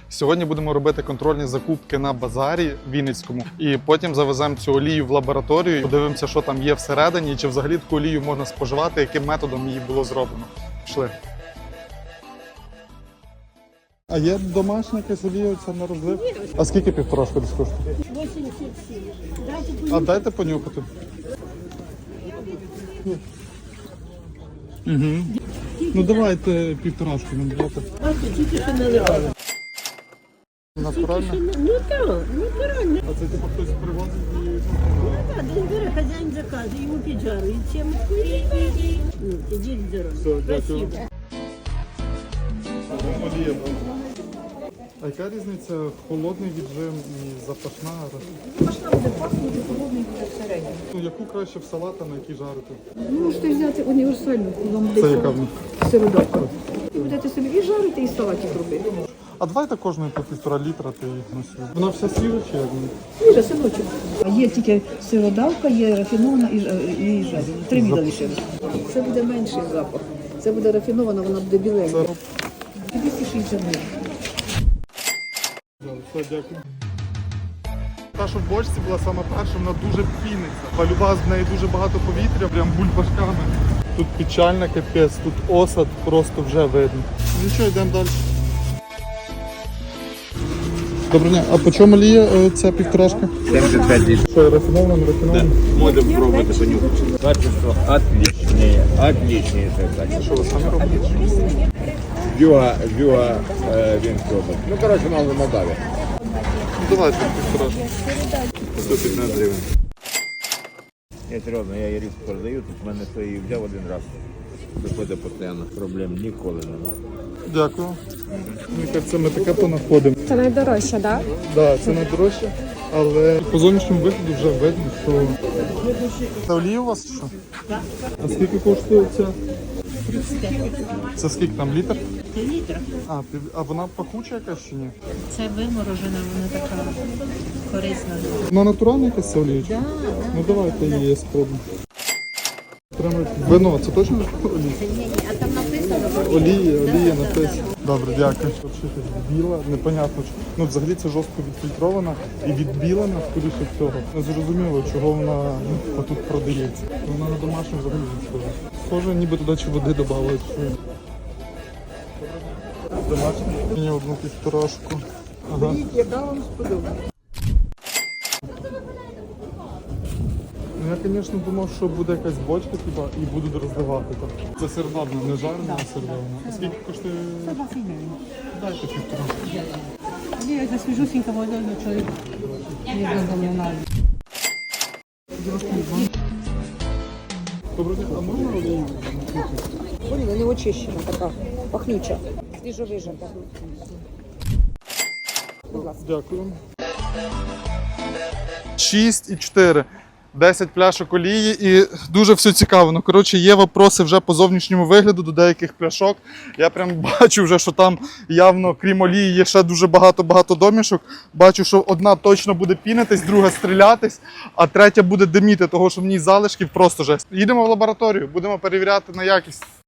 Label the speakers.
Speaker 1: Сьогодні будемо робити контрольні закупки на базарі Вінницькому. І потім завеземо цю олію в лабораторію, подивимося, що там є всередині, і чи взагалі таку олію можна споживати, яким методом її було зроблено. Пішли. А є домашня якась олія на розлив? А скільки півторашка десь коштує?
Speaker 2: 87.
Speaker 1: А дайте понюхати. Угу. Ну давайте півторашку нам дайте.
Speaker 2: А ти тільки що наливали.
Speaker 1: Натурально?
Speaker 2: Ну так, натурально.
Speaker 1: А це типу хтось привозить і...
Speaker 2: Так, десь бере хазяїн заказує, йому піджарують чимось. Ну, ідіть здорово.
Speaker 1: Все, дякую.
Speaker 2: Спасибо.
Speaker 1: Олія. А яка різниця холодний віджим і запашна?
Speaker 3: Запашна буде пахнути, холодний буде всередині.
Speaker 1: Ну, яку краще в салат, а на який жарити?
Speaker 3: Ви можете взяти універсальну, вам
Speaker 1: Це
Speaker 3: десь
Speaker 1: яка в них?
Speaker 3: сиродавка. І будете собі і жарити, і салатик робити.
Speaker 1: А давайте кожної по 1,5 літра ти носив. Вона вся свіжа чи як?
Speaker 3: Свіжа, синочок. Є тільки сиродавка, є рафінована і жарена. 3 віда лишилось. Це буде менший запах. Це буде рафінована, вона буде біленька. 260 гривень.
Speaker 1: Все, дякую. Та, що в бочці була саме перша, вона дуже піниться. Полюба в неї дуже багато повітря, прям бульбашками. Тут печально капець, тут осад просто вже видно. Нічого, йдемо далі. Доброго дня, а по чому олія ця півторашка?
Speaker 4: 75 литров.
Speaker 1: Що, рафінована, не рафінована?
Speaker 4: Можем пробовать понюхать. Качество отличное. Отличное это качество.
Speaker 1: Що ви самі робите?
Speaker 4: Вьюга винкробот. Ну, короче, мало Молдавия.
Speaker 1: Давайте півторашку.
Speaker 4: 115 гривен. Я серйозно, я її різко продаю, тут в мене то її взяв один раз. Виходить постійно, проблем ніколи нема.
Speaker 1: Дякую. Мені кажеться, ми таке понаходимо.
Speaker 5: Це найдорожче, так? Да?
Speaker 1: Так, це найдорожче, але по зовнішньому вигляду вже видно, що... Це олія у вас чи що? Так. А скільки коштує ця?
Speaker 2: 35.
Speaker 1: Це скільки там, літр?
Speaker 2: Літра.
Speaker 1: А вона пахуча якась чи ні?
Speaker 2: Це виморожена, вона така корисна.
Speaker 1: Вона натуральна якась ця олія?
Speaker 2: Да,
Speaker 1: Ну давайте її спробуємо. Прямо вино, це точно олія?
Speaker 2: а там написано.
Speaker 1: Олія написано. Добре, дякую. Тут щось біла, непонятно. Ну, взагалі це жорстко відфільтрована і відбілена, скоріше всього. Не зрозуміло, чого вона тут продається. Вона на домашню взагалі не схожа. Схоже, ніби туди чи води додали. Домашня. Мені одну півторашку. Ага.
Speaker 3: Яка вам сподобається?
Speaker 1: Ну, я, звісно, думав, що буде якась бочка, типа, і будуть розливати там. Це сервадна, не жарена, а сервадна. А скільки коштує?
Speaker 2: 120 гривень.
Speaker 1: Дайте півторашку.
Speaker 2: Я за свіжусінька водою, чоловік не розганяє.
Speaker 1: Доброго дня, а можна олію?
Speaker 3: Вона не очищена така, пахнюча, свіжовижата.
Speaker 1: Дякую. 6,4. 10 пляшок олії і дуже все цікаво. Ну, коротше, є вопроси вже по зовнішньому вигляду до деяких пляшок. Я прям бачу вже, що там явно, крім олії, є ще дуже багато домішок. Бачу, що одна точно буде пінитись, друга стрілятись, а третя буде диміти, того що в ній залишків просто жесть. Їдемо в лабораторію, будемо перевіряти на якість.